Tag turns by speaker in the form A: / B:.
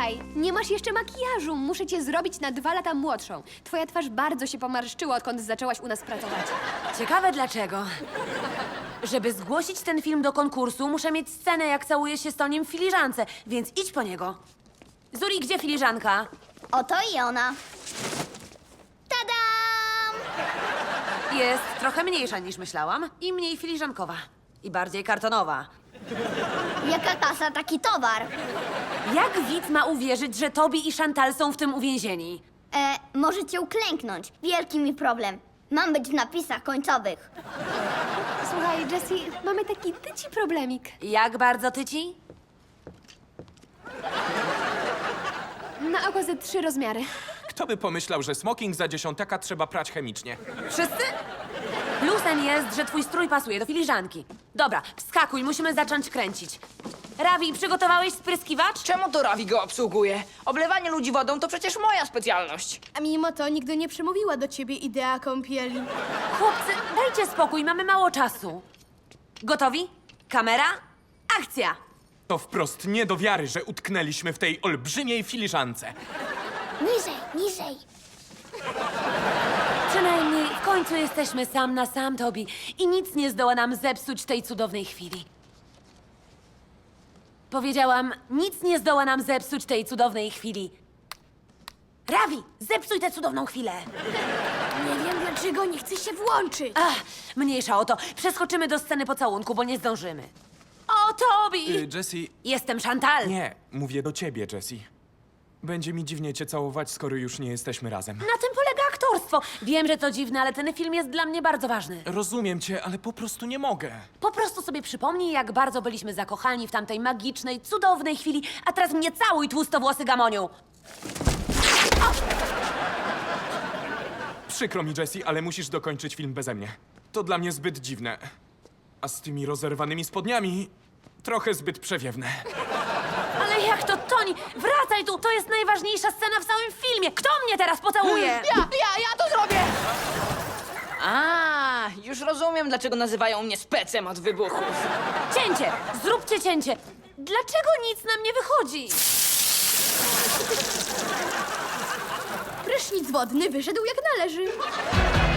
A: Słuchaj, nie masz jeszcze makijażu. Muszę cię zrobić na 2 lata młodszą. Twoja twarz bardzo się pomarszczyła, odkąd zaczęłaś u nas pracować.
B: Ciekawe dlaczego. Żeby zgłosić ten film do konkursu, muszę mieć scenę, jak całuję się z Toniem w filiżance, więc idź po niego. Zuri, gdzie filiżanka?
C: Oto i ona. Tadam!
B: Jest trochę mniejsza niż myślałam i mniej filiżankowa. I bardziej kartonowa.
C: Jaka kasa, taki towar.
B: Jak widz ma uwierzyć, że Tobi i Chantal są w tym uwięzieni?
C: Możecie uklęknąć. Wielki mi problem. Mam być w napisach końcowych.
A: Słuchaj, Jessie, mamy taki tyci problemik.
B: Jak bardzo tyci?
A: Na oko ze 3 rozmiary.
D: Kto by pomyślał, że smoking za 10 trzeba prać chemicznie?
B: Wszyscy? Plusem jest, że twój strój pasuje do filiżanki. Dobra, wskakuj, musimy zacząć kręcić. Ravi, przygotowałeś spryskiwacz?
E: Czemu to Ravi go obsługuje? Oblewanie ludzi wodą to przecież moja specjalność.
F: A mimo to nigdy nie przemówiła do ciebie idea kąpieli.
B: Chłopcy, dajcie spokój, mamy mało czasu. Gotowi? Kamera? Akcja!
D: To wprost nie do wiary, że utknęliśmy w tej olbrzymiej filiżance.
C: Niżej, niżej.
B: Przynajmniej w końcu jesteśmy sam na sam, Tobi. I nic nie zdoła nam zepsuć tej cudownej chwili. Powiedziałam, nic nie zdoła nam zepsuć tej cudownej chwili. Ravi, zepsuj tę cudowną chwilę.
F: Nie wiem dlaczego nie chce się włączyć.
B: Ach, mniejsza o to. Przeskoczymy do sceny pocałunku, bo nie zdążymy. O, Tobi!
D: Jessie,
B: Jestem Chantal.
D: nie, mówię do ciebie, Jessie. Będzie mi dziwnie cię całować, skoro już nie jesteśmy razem.
B: Na tym polega aktorstwo. Wiem, że to dziwne, ale ten film jest dla mnie bardzo ważny.
D: Rozumiem cię, ale po prostu nie mogę.
B: Po prostu sobie przypomnij, jak bardzo byliśmy zakochani w tamtej magicznej, cudownej chwili, a teraz mnie całuj, tłustowłosy gamoniu.
D: Przykro mi, Jessie, ale musisz dokończyć film beze mnie. To dla mnie zbyt dziwne. A z tymi rozerwanymi spodniami trochę zbyt przewiewne.
B: Ale jak to, Toni? Wracaj tu! To jest najważniejsza scena w całym filmie! Kto mnie teraz pocałuje?
E: Ja to zrobię! A, już rozumiem, dlaczego nazywają mnie specem od wybuchów.
B: Cięcie! Zróbcie cięcie! Dlaczego nic nam nie wychodzi?
F: Prysznic wodny wyszedł jak należy.